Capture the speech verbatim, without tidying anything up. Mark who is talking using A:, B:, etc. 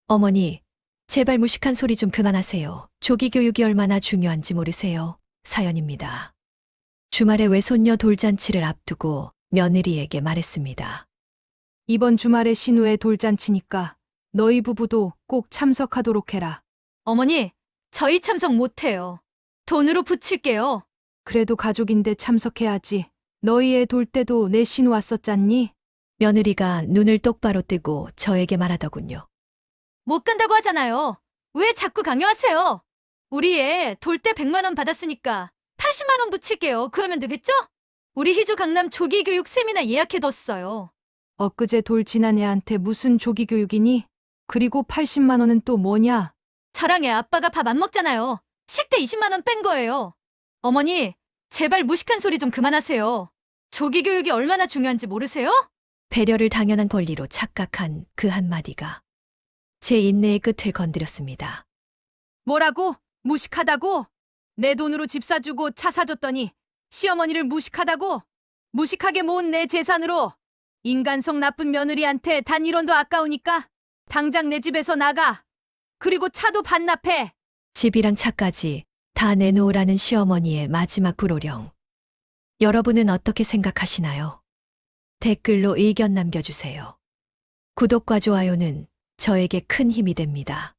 A: 어머니, 제발 무식한 소리 좀 그만하세요. 조기 교육이 얼마나 중요한지 모르세요. 사연입니다. 주말에 외손녀 돌잔치를 앞두고 며느리에게 말했습니다.
B: 이번 주말에 신우의 돌잔치니까 너희 부부도 꼭 참석하도록 해라.
C: 어머니, 저희 참석 못해요. 돈으로 붙일게요.
B: 그래도 가족인데 참석해야지. 너희 애 돌 때도 내 신우 왔었잖니?
A: 며느리가 눈을 똑바로 뜨고 저에게 말하더군요.
C: 못 간다고 하잖아요. 왜 자꾸 강요하세요? 우리 애 돌 때 백만 원 받았으니까 팔십만 원 붙일게요. 그러면 되겠죠? 우리 희주 강남 조기 교육 세미나 예약해뒀어요.
B: 엊그제 돌 지난 애한테 무슨 조기 교육이니? 그리고 팔십만 원은 또 뭐냐?
C: 저랑 애 아빠가 밥 안 먹잖아요. 식대 이십만 원 뺀 거예요. 어머니, 제발 무식한 소리 좀 그만하세요. 조기 교육이 얼마나 중요한지 모르세요?
A: 배려를 당연한 권리로 착각한 그 한마디가 제 인내의 끝을 건드렸습니다.
B: 뭐라고? 무식하다고? 내 돈으로 집 사주고 차 사줬더니 시어머니를 무식하다고? 무식하게 모은 내 재산으로 인간성 나쁜 며느리한테 단 일 원도 아까우니까 당장 내 집에서 나가. 그리고 차도 반납해.
A: 집이랑 차까지 다 내놓으라는 시어머니의 마지막 불호령. 여러분은 어떻게 생각하시나요? 댓글로 의견 남겨주세요. 구독과 좋아요는 저에게 큰 힘이 됩니다.